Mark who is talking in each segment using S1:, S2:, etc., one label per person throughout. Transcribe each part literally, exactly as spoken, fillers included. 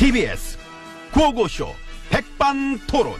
S1: 티비에스 구호고쇼 백반토론.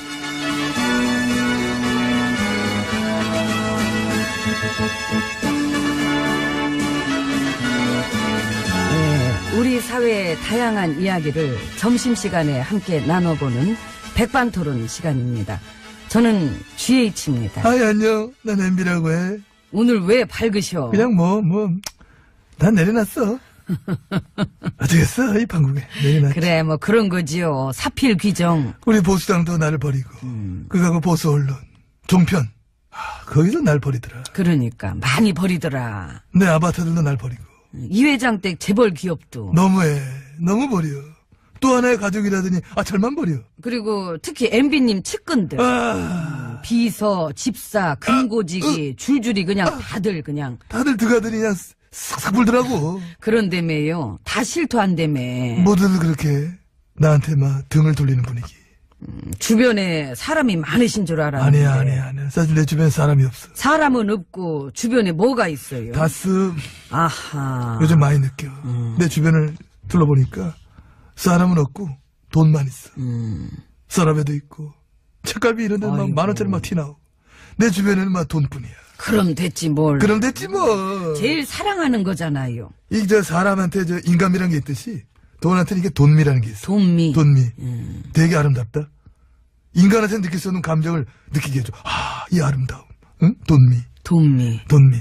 S2: 네, 우리 사회의 다양한 이야기를 점심시간에 함께 나눠보는 백반토론 시간입니다. 저는 지에이치입니다.
S3: 아이, 안녕. 난 엠비라고 해.
S2: 오늘 왜 밝으셔?
S3: 그냥 뭐, 뭐, 난 내려놨어. 어쩌겠어, 이 판국에. 내려놨지.
S2: 그래, 뭐 그런 거지요. 사필 귀정.
S3: 우리 보수당도 나를 버리고,
S2: 음.
S3: 그거하고 보수 언론, 종편. 아, 거기서 날 버리더라.
S2: 그러니까 많이 버리더라.
S3: 내 아바타들도 날 버리고.
S2: 이 회장 댁 재벌 기업도.
S3: 너무해. 너무 버려. 또 하나의 가족이라더니, 아, 절만 버려.
S2: 그리고 특히 엠비님 측근들.
S3: 아,
S2: 비서, 집사, 금고지기, 줄줄이 그냥
S3: 아.
S2: 다들 그냥.
S3: 다들 들어가더니 그냥 싹싹 불더라고.
S2: 그런다며요. 다 실토한다며.
S3: 모두들 그렇게 나한테 막 등을 돌리는 분위기.
S2: 주변에 사람이 많으신 줄 알았는데.
S3: 아니야, 아니야, 아니야. 사실 내 주변에 사람이 없어.
S2: 사람은 없고 주변에 뭐가 있어요?
S3: 다스
S2: 아하.
S3: 요즘 많이 느껴. 내 주변을 둘러보니까 사람은 없고 돈만 있어.
S2: 음.
S3: 서랍에도 있고 책갈비 이런 데는 막
S2: 아이고.
S3: 만 원짜리 막 티 나오고 내 주변에는 막 돈뿐이야.
S2: 그럼 됐지 뭘.
S3: 그럼 됐지 뭐.
S2: 제일 사랑하는 거잖아요.
S3: 이 저 사람한테 저 인감이라는 게 있듯이 돈한테는 이게 돈미라는 게 있어.
S2: 돈미.
S3: 돈미.
S2: 음.
S3: 되게 아름답다. 인간한테 느낄 수 없는 감정을 느끼게 해줘. 아, 이 아름다움. 응? 돈미.
S2: 돈미.
S3: 돈미.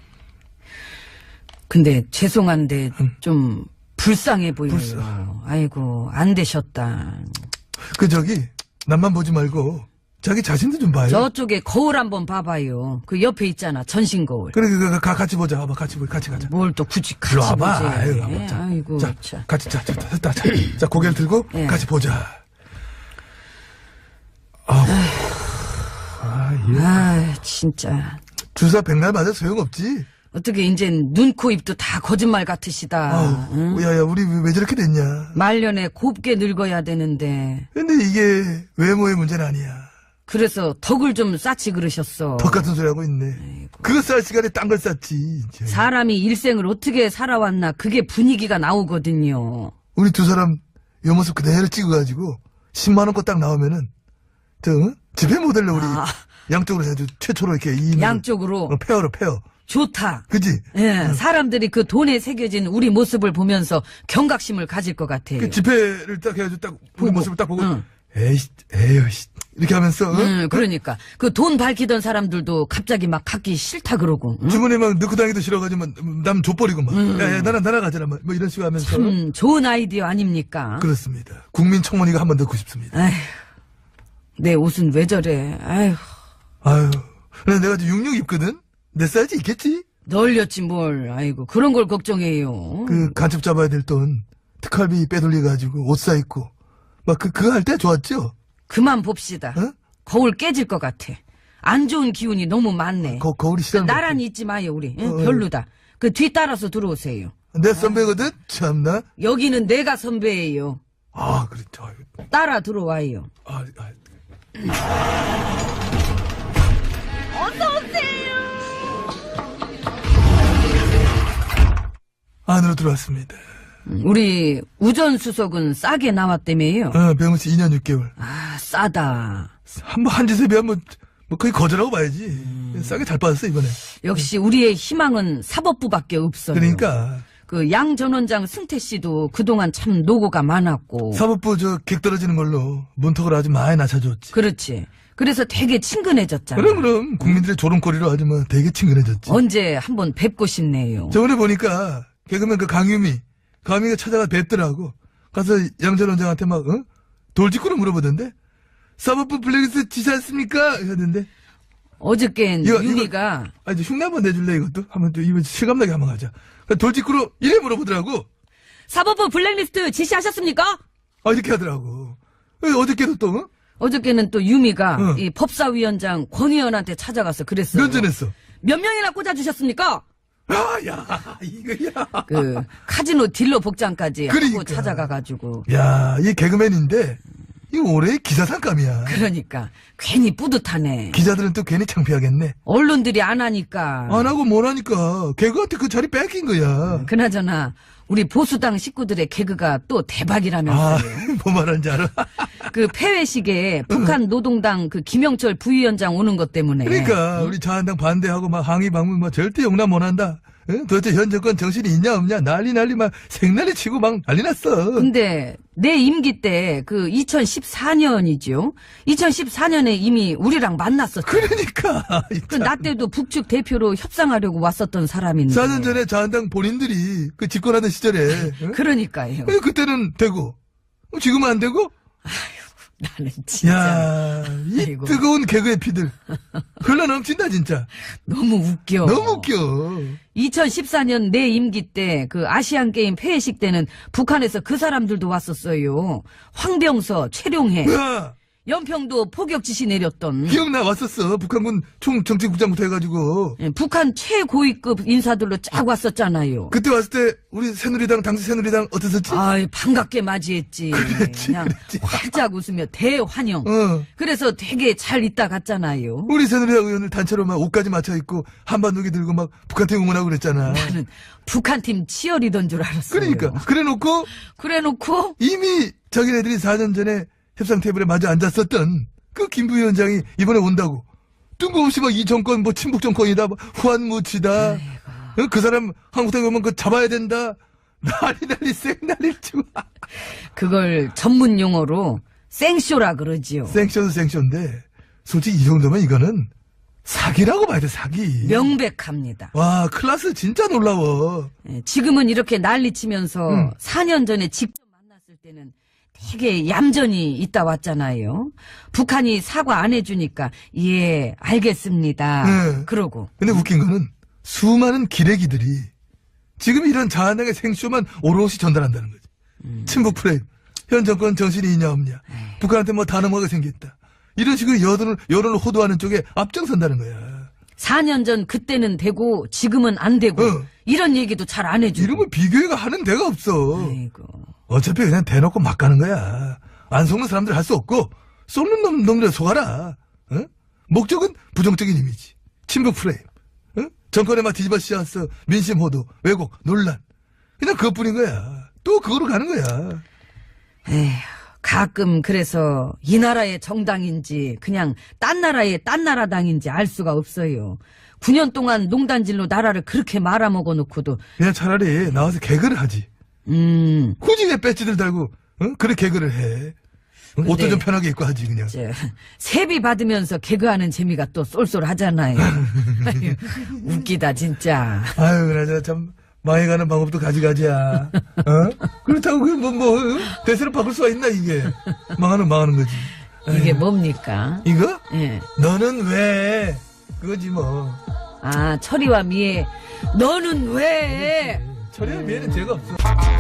S2: 근데 죄송한데
S3: 음.
S2: 좀 불쌍해 보여요.
S3: 불쌍.
S2: 아이고 안 되셨다.
S3: 그 저기 남만 보지 말고 자기 자신도 좀 봐요.
S2: 저쪽에 거울 한번 봐봐요. 그 옆에 있잖아 전신 거울.
S3: 그래, 그, 그, 가, 같이 보자. 봐봐, 같이 보자. 같이 가자.
S2: 뭘 또 굳이 같이
S3: 일로 와봐.
S2: 보지.
S3: 아유, 와봐. 자,
S2: 아이고
S3: 자,
S2: 참.
S3: 같이, 자, 자, 됐다, 자, 자, 고개를 들고
S2: 예.
S3: 같이 보자. 아우. 아, 예.
S2: 아 진짜.
S3: 주사 백날 맞아 소용없지.
S2: 어떻게 이젠 눈, 코, 입도 다 거짓말 같으시다.
S3: 아우,
S2: 응?
S3: 야, 야, 우리 왜, 왜 저렇게 됐냐.
S2: 말년에 곱게 늙어야 되는데
S3: 근데 이게 외모의 문제는 아니야.
S2: 그래서 덕을 좀 쌓지 그러셨어.
S3: 덕 같은 소리 하고 있네. 그거 쌀 시간에 딴 걸 쌌지. 이제.
S2: 사람이 일생을 어떻게 살아왔나 그게 분위기가 나오거든요.
S3: 우리 두 사람 요 모습 그대로 찍어가지고 십만 원 거 딱 나오면은 저 응? 집회 모델로 우리
S2: 아.
S3: 양쪽으로 해가지고 최초로 이렇게 이
S2: 양쪽으로
S3: 어, 페어로 페어.
S2: 좋다.
S3: 그지?
S2: 예, 사람들이 그 돈에 새겨진 우리 모습을 보면서 경각심을 가질 것 같아요.
S3: 그 집회를 딱 해가지고 딱 우리
S2: 보고.
S3: 모습을 딱 보고
S2: 응.
S3: 에이씨 에이씨 이렇게 하면서 어?
S2: 음, 그러니까 그 돈 밝히던 사람들도 갑자기 막 갖기 싫다 그러고. 응?
S3: 주머니에 막 넣고 다니기도 싫어가지고 막 남 족버리고 막 야야 나랑 나랑 막 뭐 이런 식으로 하면서
S2: 음, 좋은 아이디어 아닙니까?
S3: 그렇습니다. 국민청원이가 한번 넣고 싶습니다.
S2: 아휴, 내 옷은 왜 저래? 아휴,
S3: 아유, 근데 내가 지금 육육 입거든. 내 사이즈 있겠지?
S2: 널렸지 뭘. 아이고 그런 걸 걱정해요.
S3: 그 간첩 잡아야 될 돈 특활비 빼돌려가지고 옷 사 입고 막 그 그거 할 때 좋았죠?
S2: 그만 봅시다.
S3: 어?
S2: 거울 깨질 것 같아. 안 좋은 기운이 너무 많네.
S3: 거, 거울이
S2: 그
S3: 싫어.
S2: 나란히 있지 마요 우리. 응?
S3: 어, 어.
S2: 별로다. 그 뒤 따라서 들어오세요.
S3: 내 선배거든? 참나?
S2: 여기는 내가 선배예요.
S3: 아, 그렇죠. 아유,
S2: 따라 들어와요.
S3: 아, 아. 안으로 들어왔습니다.
S2: 우리 우전수석은 싸게 나왔다며요.
S3: 어, 병원씨 이 년 육 개월.
S2: 아 싸다.
S3: 한 번, 한 짓에 비하면 뭐, 뭐 거의 거절하고 봐야지.
S2: 음.
S3: 싸게 잘 빠졌어, 이번에.
S2: 역시 우리의 희망은 사법부밖에 없어요.
S3: 그러니까.
S2: 그 양 전 원장 승태 씨도 그동안 참 노고가 많았고.
S3: 사법부 저 객 떨어지는 걸로 문턱을 아주 많이 낮춰줬지.
S2: 그렇지. 그래서 되게 친근해졌잖아.
S3: 그럼, 그럼. 국민들의 조롱거리로 아주 뭐 되게 친근해졌지.
S2: 언제 한번 뵙고 싶네요.
S3: 저번에 보니까 개그맨 그 강유미, 강유미가 찾아가 뵙더라고. 가서 양 전 원장한테 막, 어? 돌직구로 물어보던데? 사법부 블랙리스트 지시 않습니까? 하던데.
S2: 어저께는
S3: 이거,
S2: 유미가
S3: 아, 이제 흉내 한번 내줄래, 이것도? 한번 또, 이거 실감나게 한번 가자. 그러니까 돌직구로 이래 물어보더라고.
S2: 사법부 블랙리스트 지시하셨습니까?
S3: 아, 이렇게 하더라고. 어저께도 또, 어?
S2: 어저께는 또 유미가
S3: 응.
S2: 이 법사위원장 권 의원한테 찾아가서 그랬어요.
S3: 몇 전했어?
S2: 몇 명이나 꽂아주셨습니까?
S3: 아, 야, 이거야.
S2: 그 카지노 딜러 복장까지 하고
S3: 그러니까.
S2: 찾아가가지고.
S3: 야, 이 개그맨인데, 이 올해의 기사상감이야.
S2: 그러니까 괜히 뿌듯하네.
S3: 기자들은 또 괜히 창피하겠네.
S2: 언론들이 안 하니까.
S3: 안 하고 뭘 하니까 개그한테 그 자리 뺏긴 거야.
S2: 그나저나 우리 보수당 식구들의 개그가 또
S3: 아,
S2: 대박이라면서요.
S3: 뭐 말하는지 알아?
S2: 그 폐회식에 북한 노동당 그 김영철 부위원장 오는 것 때문에.
S3: 그러니까 우리 자한당 반대하고 막 항의 방문 막 절대 용납 못한다. 응? 도대체 현 정권 정신이 있냐 없냐 난리 난리 막 생난리 치고 막 난리 났어.
S2: 근데 내 임기 때 그 이천십사 년이죠. 이천십사 년에 이미 우리랑 만났었죠.
S3: 그러니까
S2: 그 나 때도 북측 대표로 협상하려고 왔었던 사람인데.
S3: 사 년 전에 자한당 본인들이 그 집권하던 시절에 응?
S2: 그러니까요.
S3: 응, 그때는 되고 지금은 안 되고.
S2: 나는 진짜
S3: 야, 이
S2: 아이고.
S3: 뜨거운 개그의 피들 흘러 넘친다 진짜.
S2: 너무 웃겨.
S3: 너무 웃겨.
S2: 이천십사 년 내 임기 때 그 아시안 게임 폐회식 때는 북한에서 그 사람들도 왔었어요. 황병서, 최룡해,
S3: 야,
S2: 연평도 포격 지시 내렸던
S3: 기억나 왔었어. 북한군 총정책국장부터 해가지고
S2: 예, 북한 최고위급 인사들로 쫙 왔었잖아요.
S3: 그때 왔을 때 우리 새누리당 당시 새누리당 어땠었지?
S2: 아이 반갑게 맞이했지.
S3: 그랬지,
S2: 그냥
S3: 그랬지.
S2: 활짝 웃으며 대환영.
S3: 어.
S2: 그래서 되게 잘 있다 갔잖아요.
S3: 우리 새누리당 의원을 단체로 막 옷까지 맞춰 입고 한반도기 들고 막 북한팀 응원하고 그랬잖아.
S2: 나는 북한팀 치어리던 줄 알았어요.
S3: 그러니까 그래놓고
S2: 그래놓고
S3: 이미 자기네들이 사 년 전에 협상 테이블에 마주 앉았었던 그 김부위원장이 이번에 온다고 뜬금없이 막 이 정권 뭐 친북 정권이다 뭐 후한무치다. 어? 그 사람 한국당에 오면 그 잡아야 된다. 난리 난리 쌩난리 치고.
S2: 그걸 전문 용어로 생쇼라 그러지요.
S3: 생쇼도 생쇼인데 솔직히 이 정도면 이거는 사기라고 봐야 돼 사기.
S2: 명백합니다.
S3: 와 클래스 진짜 놀라워.
S2: 예, 지금은 이렇게 난리치면서
S3: 음.
S2: 사 년 전에 직접 만났을 때는 되게 얌전히 있다 왔잖아요. 북한이 사과 안 해주니까 예 알겠습니다.
S3: 네.
S2: 그러고
S3: 근데 웃긴 거는 수많은 기레기들이 지금 이런 자한당의 생쇼만 오롯이 전달한다는 거지.
S2: 음.
S3: 친북 프레임. 현 정권 정신이 있냐 없냐. 북한한테 뭐 다 넘어가게 생겼다. 이런 식으로 여론을, 여론을 호도하는 쪽에 앞장선다는 거야.
S2: 사 년 전 그때는 되고 지금은 안 되고
S3: 어.
S2: 이런 얘기도 잘 안 해주고.
S3: 이런 거 비교가 하는 데가 없어.
S2: 아이고.
S3: 어차피 그냥 대놓고 막 가는 거야. 안 속는 사람들 할 수 없고 쏘는 놈, 놈들 속아라. 어? 목적은 부정적인 이미지. 친북 프레임. 어? 정권에 막 뒤집어 씌웠어. 민심 호도, 왜곡, 논란. 그냥 그것뿐인 거야. 또 그거로 가는 거야.
S2: 에휴, 가끔 그래서 이 나라의 정당인지 그냥 딴 나라의 딴 나라당인지 알 수가 없어요. 구 년 동안 농단질로 나라를 그렇게 말아먹어 놓고도
S3: 그냥 차라리 나와서 개그를 하지.
S2: 음,
S3: 굳이 왜 배지들 달고 어? 그래 개그를 해. 어? 옷도
S2: 근데
S3: 좀 편하게 입고 하지 그냥.
S2: 저, 세비 받으면서 개그하는 재미가 또 쏠쏠하잖아요. 아유, 웃기다 진짜.
S3: 아유 그나저나 참 망해가는 방법도 가지가지야. 어? 그렇다고 그뭐 뭐, 어? 대세로 바꿀 수가 있나 이게. 망하는 망하는 거지.
S2: 이게
S3: 아유.
S2: 뭡니까?
S3: 이거?
S2: 예.
S3: 너는 왜? 그거지 뭐.
S2: 아, 철이와 미애. 너는 왜?
S3: 철이야 미에는 죄가 없어.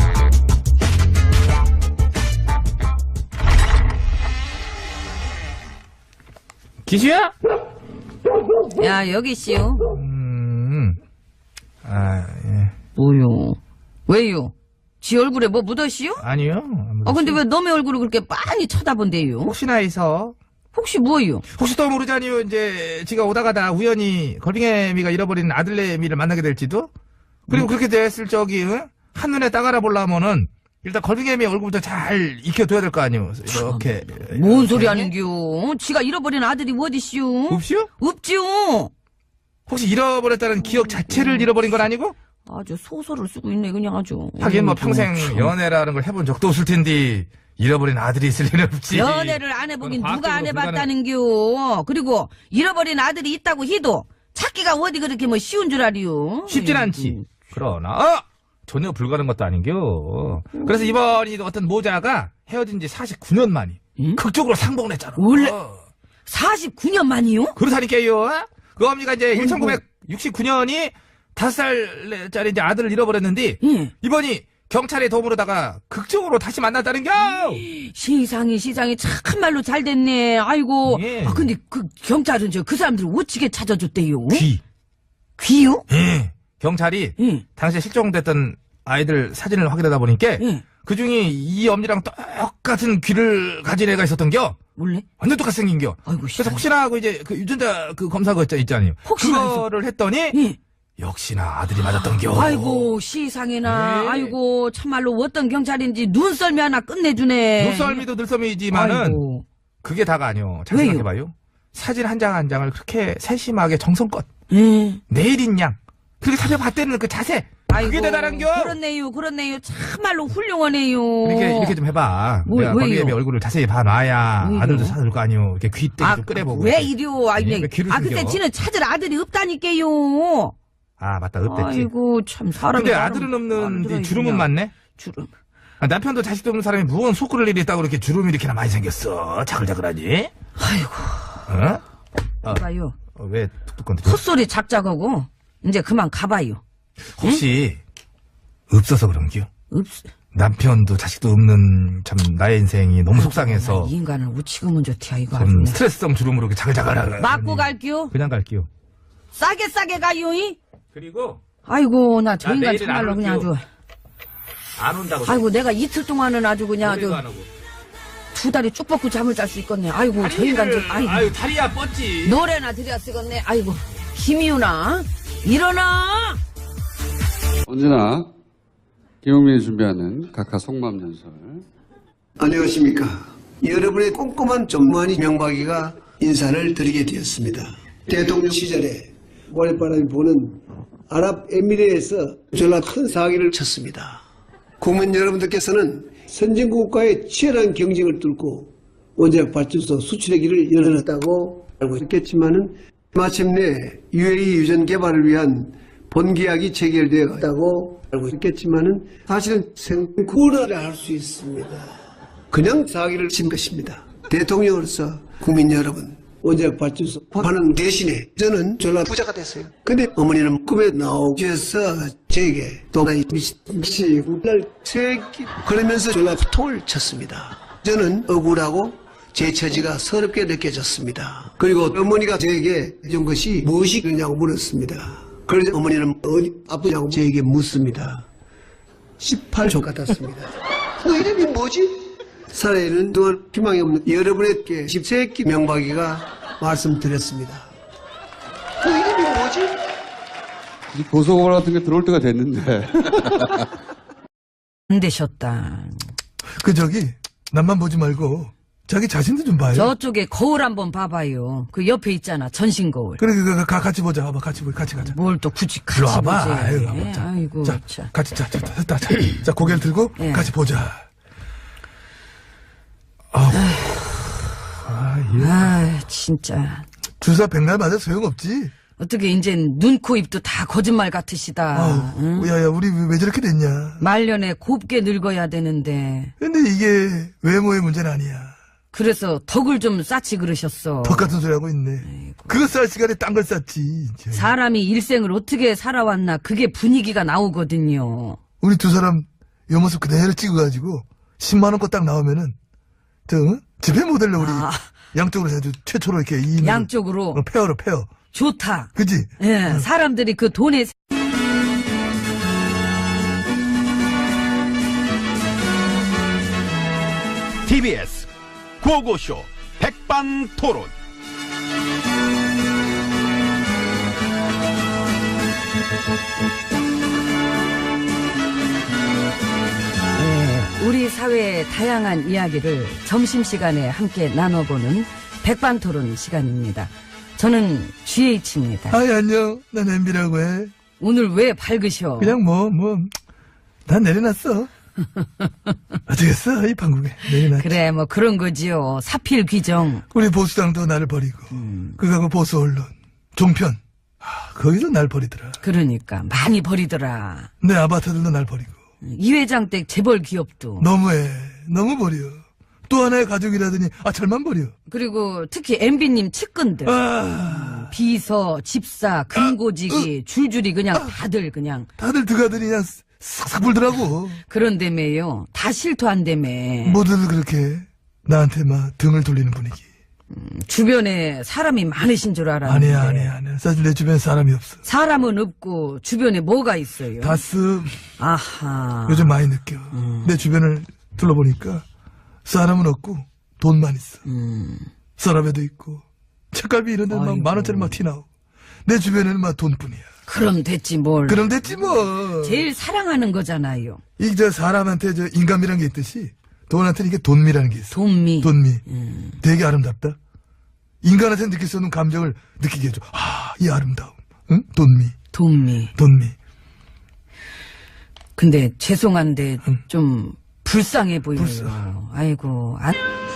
S4: 기수야?
S2: 야, 여기 씨요.
S3: 음. 아 예.
S2: 뭐요? 왜요? 지 얼굴에 뭐 묻었시요?
S4: 아니요.
S2: 아, 근데 왜 너의 얼굴을 그렇게 빤히 쳐다본대요?
S4: 혹시나 해서
S2: 혹시 뭐요?
S4: 혹시 또 모르잖니요. 이제 지가 오다가다 우연히 걸빙애미가 잃어버린 아들내미를 만나게 될지도. 그리고 그렇게 됐을 적이 응? 한눈에 딱 알아보려면은 일단 걸빙애미 얼굴부터 잘 익혀둬야 될 거 아니요. 이렇게.
S2: 뭔 소리 하는겨? 어? 지가 잃어버린 아들이 어디시오?
S4: 없이요?
S2: 없지요?
S4: 혹시 잃어버렸다는 기억 자체를 잃어버린 건 아니고?
S2: 아주 소설을 쓰고 있네, 그냥 아주.
S4: 하긴 뭐
S2: 어이구,
S4: 평생
S2: 참.
S4: 연애라는 걸 해본 적도 없을 텐데 잃어버린 아들이 있을 리는 없지.
S2: 연애를 안 해보긴
S4: 그건
S2: 누가 안
S4: 과학적으로
S2: 해봤다는겨. 그리고 잃어버린 아들이 있다고 해도 찾기가 어디 그렇게 뭐 쉬운 줄 알이요?
S4: 쉽진
S2: 아이고.
S4: 않지. 그러나 어! 전혀 불가능한 것도 아닌겨. 그래서 이번이 어떤 모자가 헤어진 지 사십구 년 만이
S2: 응?
S4: 극적으로 상봉을 했잖아.
S2: 원래-
S4: 어.
S2: 사십구 년 만이요?
S4: 그렇다니까요. 그 어머니가 이제 천구백육십구 년이 다섯 살짜리 이제 아들을 잃어버렸는데
S2: 예.
S4: 이번이 경찰의 도움으로다가 극적으로 다시 만났다는겨.
S2: 세상에 세상에 참말로 잘 됐네. 아이고.
S4: 예.
S2: 아 근데 그 경찰은 저 그 사람들을 어찌게 찾아줬대요?
S4: 귀.
S2: 귀요?
S4: 예. 경찰이
S2: 예.
S4: 당시에 실종됐던 아이들 사진을 확인하다 보니까
S2: 예.
S4: 그 중에 이 엄니랑 똑같은 귀를 가진 애가 있었던겨.
S2: 몰래?
S4: 완전 똑같이 생긴겨.
S2: 아이고
S4: 그래서
S2: 씨.
S4: 혹시나 하고 이제 그 유전자 그 검사 거 있자- 있잖아요.
S2: 혹시나
S4: 그거를 했더니
S2: 예.
S4: 역시나 아들이 맞았던겨.
S2: 아이고 시상에나
S4: 네.
S2: 아이고 참말로 어떤 경찰인지 눈썰미 하나 끝내주네.
S4: 눈썰미도 눈썰미지만은
S2: 아이고.
S4: 그게 다가 아니오. 잘
S2: 왜요?
S4: 생각해봐요. 사진 한 장 한 장을 그렇게 세심하게 정성껏
S2: 음.
S4: 내일인 양 그렇게 살펴봤다는 그 자세
S2: 아이고,
S4: 그게 대단한겨.
S2: 그렇네요 그렇네요 참말로 훌륭하네요.
S4: 이렇게 이렇게 좀 해봐.
S2: 뭐,
S4: 내가
S2: 왜요?
S4: 걸리애미 얼굴을 자세히 봐놔야
S2: 왜요?
S4: 아들도 찾을 거 아니오. 이렇게 귀때기
S2: 아,
S4: 좀 끄내보고.
S2: 왜
S4: 이렇게.
S2: 이리요? 아니,
S4: 예, 왜 귀를
S2: 아,
S4: 숨겨?
S2: 근데 지는 찾을 아들이 없다니까요.
S4: 아 맞다 읍됐지.
S2: 아이고, 참, 사람이.
S4: 근데
S2: 나름
S4: 아들은
S2: 마음에
S4: 없는데
S2: 들어야
S4: 주름은
S2: 그냥.
S4: 많네.
S2: 주름.
S4: 아, 남편도 자식도 없는 사람이 무언 속 끓을 일이 있다고 이렇게 주름이 이렇게나 많이 생겼어. 자글자글하니?
S2: 아이고,
S4: 어? 어,
S2: 봐요.
S4: 어, 왜 툭툭 건드려?
S2: 헛소리 작작하고, 이제 그만 가봐요.
S4: 혹시 없어서 그런겨?
S2: 없,
S4: 남편도 자식도 없는 참 나의 인생이 너무 속상해서
S2: 이 인간을 우치고문 좋디야, 이거 아주.
S4: 좀
S2: 그냥.
S4: 스트레스성 주름으로 이렇게 자글자글하게
S2: 맞고 갈게요.
S4: 그냥 갈게요.
S2: 싸게 싸게 가요, 이?
S4: 그리고
S2: 아이고, 나 저
S4: 나
S2: 인간
S4: 내일은
S2: 참말로
S4: 안
S2: 그냥 아주.
S4: 올게요. 안 온다고.
S2: 아이고, 내가 이틀 동안은 아주 그냥
S4: 노래도
S2: 아주
S4: 안 하고.
S2: 두 다리 쭉 뻗고 잠을 잘 수 있겠네. 아이고, 저 인간 좀, 아이고.
S4: 아유 다리야 뻗지.
S2: 노래나 들여 쓰겠네. 아이고, 김이우나, 일어나!
S5: 언제나 김용민이 준비하는 각하 속마음 연설.
S6: 안녕하십니까. 여러분의 꼼꼼한 전무한이 명박이가 인사를 드리게 되었습니다. 대통령 시절에 모래바람이 부는 아랍에미레에서 졸라 큰 사기를 쳤습니다. 국민 여러분들께서는 선진국과의 치열한 경쟁을 뚫고 원자력 발전소 수출의 길을 열어놨다고 알고 있겠지만은 마침내 유에이 유전 개발을 위한 본계약이 체결되었다고 알고 있겠지만은 사실은 생쿠라를 할 수 있습니다. 그냥 사기를 친 것입니다. 대통령으로서 국민 여러분 원자력 발전소 하는 대신에 저는 전라 부자가 됐어요. 근데 어머니는 꿈에 나오셔서 저에게 또나이 미치 날 새끼 그러면서 전라 통을 쳤습니다. 저는 억울하고 제 처지가 서럽게 느껴졌습니다. 그리고 어머니가 저에게 해준 것이 무엇이냐고 물었습니다. 그래서 어머니는 어디 아프냐고 저에게 묻습니다. 십팔 조 같았습니다. 너 이름이 뭐지? 살아있는 동안 희망이 없는 여러분에게 십세기 명박이가 말씀드렸습니다. 너 이름이 뭐지?
S5: 이 고소고발 같은 게 들어올 때가 됐는데.
S2: 안 되셨다.
S3: 그 저기 남만 보지 말고 자기 자신도 좀 봐요.
S2: 저쪽에 거울 한번 봐봐요. 그 옆에 있잖아, 전신 거울.
S3: 그래, 그, 그, 가, 같이 보자. 와봐, 같이 보, 같이 가자.
S2: 뭘 또 굳이 같이
S3: 일로 와봐.
S2: 보지.
S3: 아이고, 와봐. 자,
S2: 아이고,
S3: 자,
S2: 참.
S3: 같이, 자, 자, 자, 자, 자, 자, 고개를 들고
S2: 예.
S3: 같이 보자. 아우, 아, 예.
S2: 아, 진짜.
S3: 주사 백날 맞아 소용없지.
S2: 어떻게 이젠 눈, 코, 입도 다 거짓말 같으시다.
S3: 아우,
S2: 응?
S3: 야, 야, 우리 왜, 왜 저렇게 됐냐.
S2: 말년에 곱게 늙어야 되는데.
S3: 근데 이게 외모의 문제는 아니야.
S2: 그래서 덕을 좀 쌓지 그러셨어.
S3: 덕 같은 소리 하고 있네. 그거 쌀 시간에 딴 걸 쌌지. 이제.
S2: 사람이 일생을 어떻게 살아왔나 그게 분위기가 나오거든요.
S3: 우리 두 사람 요 모습 그대로 찍어가지고 십만 원 거 딱 나오면은 저 응? 집회 모델로 우리
S2: 아.
S3: 양쪽으로 해도 최초로 이렇게 이
S2: 양쪽으로
S3: 어, 페어로 페어.
S2: 좋다.
S3: 그지?
S2: 예, 사람들이 그 돈에
S1: 티비에스 구호고쇼 백반토론.
S2: 예, 우리 사회의 다양한 이야기를 점심시간에 함께 나눠보는 백반토론 시간입니다. 저는 지에이치입니다.
S3: 아이 안녕. 난 엠비라고 해.
S2: 오늘 왜 밝으셔?
S3: 그냥 뭐 뭐 난 내려놨어. 어쩌겠어 이 판국에 내려놨.
S2: 그래 뭐 그런 거지요. 사필 귀정.
S3: 우리 보수당도 나를 버리고
S2: 음.
S3: 그거하고 보수 언론 종편 아, 거기서 날 버리더라.
S2: 그러니까 많이 버리더라.
S3: 내 아바타들도 날 버리고
S2: 이 회장 댁 재벌 기업도.
S3: 너무해 너무 버려. 또 하나의 가족이라더니 아 절만 버려.
S2: 그리고 특히 엠비님 측근들.
S3: 아
S2: 비서, 집사, 금고지기 줄줄이 그냥 다들 그냥
S3: 다들 드가더니 그냥 싹싹 불더라고.
S2: 그런다며요. 다 실토한다며.
S3: 모두들 그렇게 나한테 막 등을 돌리는 분위기.
S2: 주변에 사람이 많으신 줄 알았는데.
S3: 아니야 아니야 아니야. 사실 내 주변에 사람이 없어.
S2: 사람은 없고 주변에 뭐가 있어요?
S3: 다스
S2: 아하.
S3: 요즘 많이 느껴. 내 주변을 둘러보니까 사람은 없고 돈만 있어.
S2: 음.
S3: 서랍에도 있고 책갈비 이런 데는 막
S2: 아이고.
S3: 만 원짜리 막 티 나오고 내 주변에는 막 돈뿐이야.
S2: 그럼 됐지 뭘.
S3: 그럼 됐지 뭐.
S2: 제일 사랑하는 거잖아요.
S3: 이 저 사람한테 저 인간미라는 게 있듯이 돈한테는 이게 돈미라는 게 있어.
S2: 돈미.
S3: 돈미. 되게 아름답다. 인간한테 느낄 수 없는 감정을 느끼게 해줘. 아, 이 아름다움. 응? 돈미.
S2: 돈미.
S3: 돈미.
S2: 근데 죄송한데
S3: 응.
S2: 좀 불쌍해 보여요.
S3: 불쌍.
S2: 아이고. 안...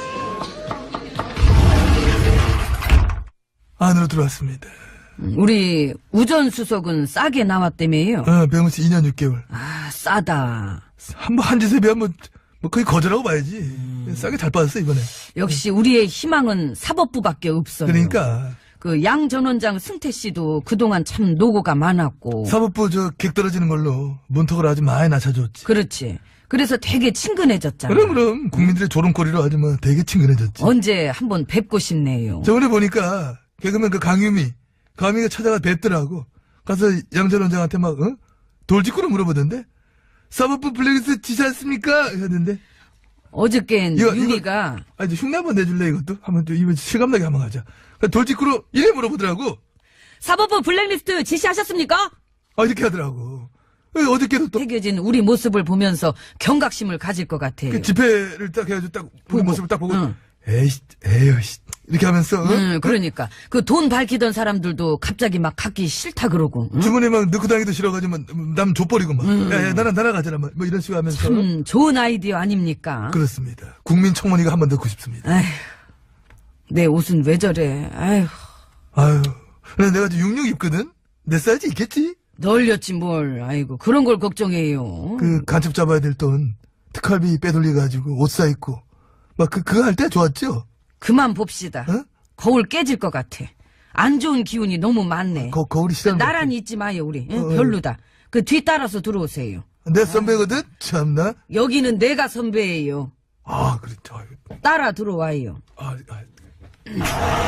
S3: 안으로 들어왔습니다.
S2: 우리 우전수석은 싸게 나왔다며요.
S3: 어, 병원 씨 이 년 육 개월.
S2: 아, 싸다.
S3: 한 번 한 짓에 비하면 뭐, 뭐 거의 거절하고 봐야지.
S2: 음.
S3: 싸게 잘 빠졌어, 이번에.
S2: 역시 우리의 희망은 사법부밖에 없어요.
S3: 그러니까.
S2: 그 양 전 원장 승태 씨도 그동안 참 노고가 많았고.
S3: 사법부 저 객 떨어지는 걸로 문턱을 아주 많이 낮춰줬지.
S2: 그렇지. 그래서 되게 친근해졌잖아.
S3: 그럼, 그럼. 국민들의 조롱거리로 아주 뭐 되게 친근해졌지.
S2: 언제 한번 뵙고 싶네요.
S3: 저번에 보니까 개그맨 그 강유미, 강유미가 찾아가 뵙더라고. 가서 양 전 원장한테 막, 어? 돌직구로 물어보던데? 사법부 블랙리스트 지시 않습니까? 했는데.
S2: 어저께는
S3: 이거,
S2: 유미가
S3: 아, 이제 흉내 한번 내줄래, 이것도? 한번 또, 이번 실감나게 한번 하자. 그러니까 돌직구로 이래 물어보더라고.
S2: 사법부 블랙리스트 지시하셨습니까?
S3: 아, 이렇게 하더라고. 어, 어저께도 또,
S2: 새겨진 우리 모습을 보면서 경각심을 가질 것 같아요.
S3: 그 집회를 딱 해가지고 딱, 우리
S2: 보고.
S3: 모습을 딱 보고,
S2: 응.
S3: 에이씨, 에이씨. 이렇게 하면서, 어?
S2: 음, 그러니까 그 돈 밝히던 사람들도 갑자기 막 갖기 싫다 그러고. 응?
S3: 주머니에 막 넣고 다니기도 싫어가지고, 막 남 족버리고 막.
S2: 음.
S3: 야, 야, 나랑, 나랑 가잖아. 막, 뭐 이런 식으로 하면서.
S2: 음, 좋은 아이디어 아닙니까?
S3: 그렇습니다. 국민청원이가 한번 넣고 싶습니다.
S2: 아휴, 내 옷은 왜 저래? 아휴,
S3: 아유. 근데 내가 지금 육십육 입거든? 내 사이즈 있겠지?
S2: 널렸지 뭘. 아이고, 그런 걸 걱정해요.
S3: 그, 간첩 잡아야 될 돈, 특활비 빼돌려가지고, 옷 사입고. 막, 그, 그거 할 때 좋았죠?
S2: 그만 봅시다.
S3: 어?
S2: 거울 깨질 것 같아. 안 좋은 기운이 너무 많네.
S3: 거, 거울이
S2: 그
S3: 싫어.
S2: 나란히 있지 마요, 우리. 응?
S3: 어, 어.
S2: 별로다. 그 뒤 따라서 들어오세요.
S3: 내 선배거든? 참나?
S2: 여기는 내가 선배예요.
S3: 아, 그렇죠. 아유,
S2: 따라 들어와요.
S3: 아, 아.